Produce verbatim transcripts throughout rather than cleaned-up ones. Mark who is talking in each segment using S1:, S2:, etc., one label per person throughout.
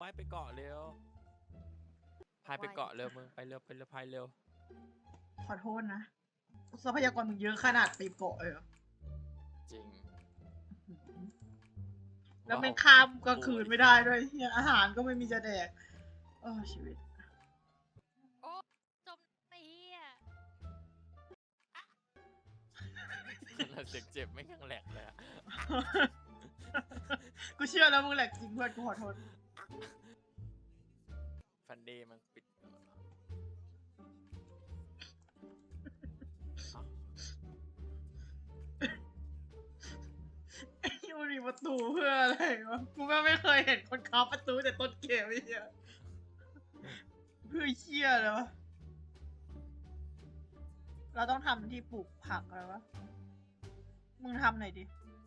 S1: ว่ายไปเกาะเร็วพายไปเกาะเร็วมึงไปเร็วไปเร็วพายเร็ว
S2: ขอโทษนะทรัพยากรมึงเยอะขนาดไปเกาะเลยเหรอ
S1: จริง
S2: แล้วมันข้ามกลางคืนไม่ได้ด้วยเนี่ยอาหารก็ไม่มีจะแดกเออชีวิต
S3: โอ้จมไอ้เหี้ย
S1: เราเสียงเจ็บไม่ยังแหลกเลยอะ
S2: กูเชื่อแล้วมึงแหลกจริงเพื่อนกูขอโทษ
S1: ฟันเดย์มันปิด
S2: มันมีประตูเพื่ออะไรวะกูก็ไม่เคยเห็นคนค้าประตูแต่ต้นเกมไอ้เหี้ยเพื่อเชี่ยเลยวะเราต้องทำที่ปลูกผักอะไรวะมึงทำหน่อยดิ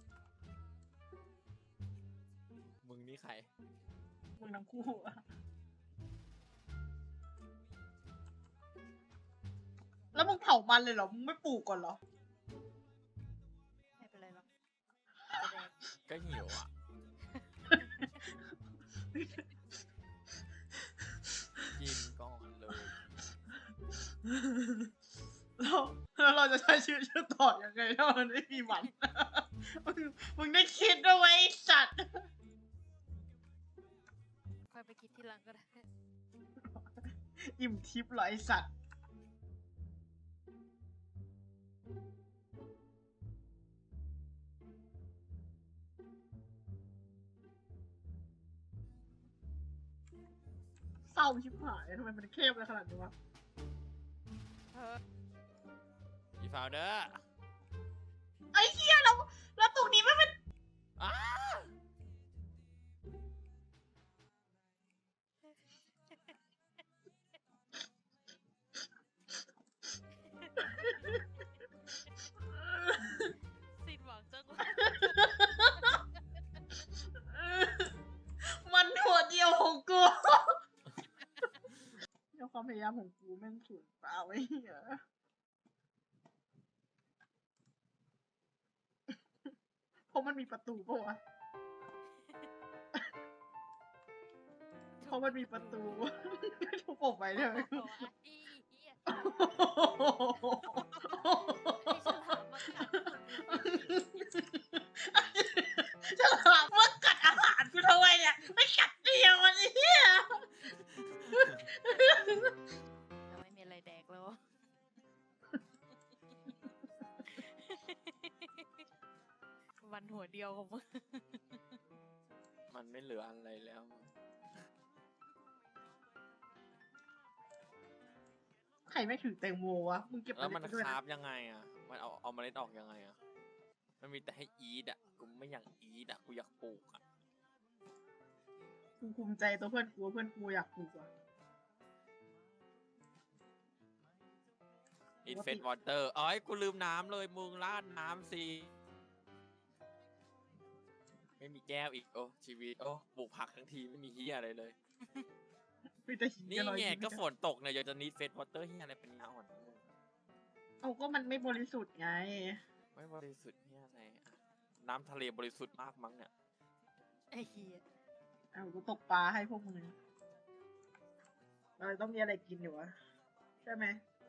S1: มึงนี่ใคร
S2: มึงทั้งคู่อะแล้วมึงเผามันเลยเหรอมึงไม่ปลูกก่อนเหรอ
S3: ไม่เป็นไรหรอก
S1: ก็หิวอ่ะกินก่อนเลย
S2: แล้วแล้วเราจะใช้ชีวิตต่อยังไงถ้ามันไม่มีมันมึงมึงได้คิดด้วยไว้สัตว์
S3: ค่อยไปคิดทีหลังก็ได้
S2: อิ่มทิพย์เหรอไอสัตว์เศร้าชิบหายทำไมมันเข้มเลยขนาดนี้วะ
S1: อีฟาวเดอร์
S2: ไอ้เหี้ยเราแล้วตรงนี้มันเป็น
S1: อ้า
S3: สิ้นหวังจังวะ
S2: มันหัวเดียวของกูแล้วความพยายามของกูแม่งสูญเปล่าไอ้เหี้ยเพราะมันมีประตูปะวะเพราะมันมีประตูทุบออกไปเลย ฉลามมากัดอาหารกูทำไมเนี่ยไม่กัดเดียวมันไอ้เหี้ย
S3: เราไม่มีอะไรแดกแล้ววันหัวเดียวของมึง
S1: มันไม่เหลืออะไรแล้ว
S2: ใครไม่ถือแตงโมวะมึงเก็บ
S1: แล้วมัน
S2: ด้วย
S1: คา
S2: นะ
S1: บยังไงอ่ะมันเอาเอาเมล็ดออกยังไงอ่ะมันมีแต่ให้อีดอ่ะกูไม่อยากอีดอ่ะกูอยากปลูกอ่ะ
S2: กูภูมิใจตัวเพื่อนกูเพื่อนกูอยากปลูกอ่ะ
S1: อินเฟสวอเตอร์เอ้ยกูลืมน้ำเลยมึงราดน้ำสิไม่มีแก้วอีกโอ้ชีวิตโอ้ปลูกผักทั้งทีไม่มีเฮียอะไรเลยนี่ไงก็ฝนตกเนี่ยอยากจะนิดเฟสวอเตอร์เฮียอะไรเป็นน้ำอ่อน
S2: เอาก็มันไม่บริสุทธิ์ไง
S1: ไม่บริสุทธิ์เฮียอะไรน้ำทะเลบริสุทธิ์มากมั้งเนี่ย
S3: ไอ้เหี้ย
S2: เอากูตกปลาให้พวกมึงเราต้องมีอะไรกินอยู่วะใช่ไหม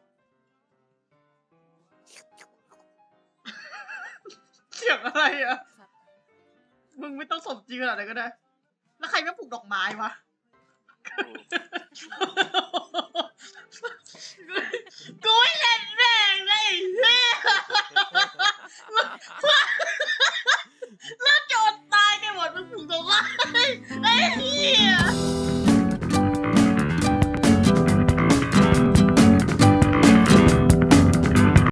S2: เสียงอะไรอ่ะมึงไม่ต้องสมจริงขนาดไหนก็ได้แล้วใครไม่ปลูกดอกไม้วะ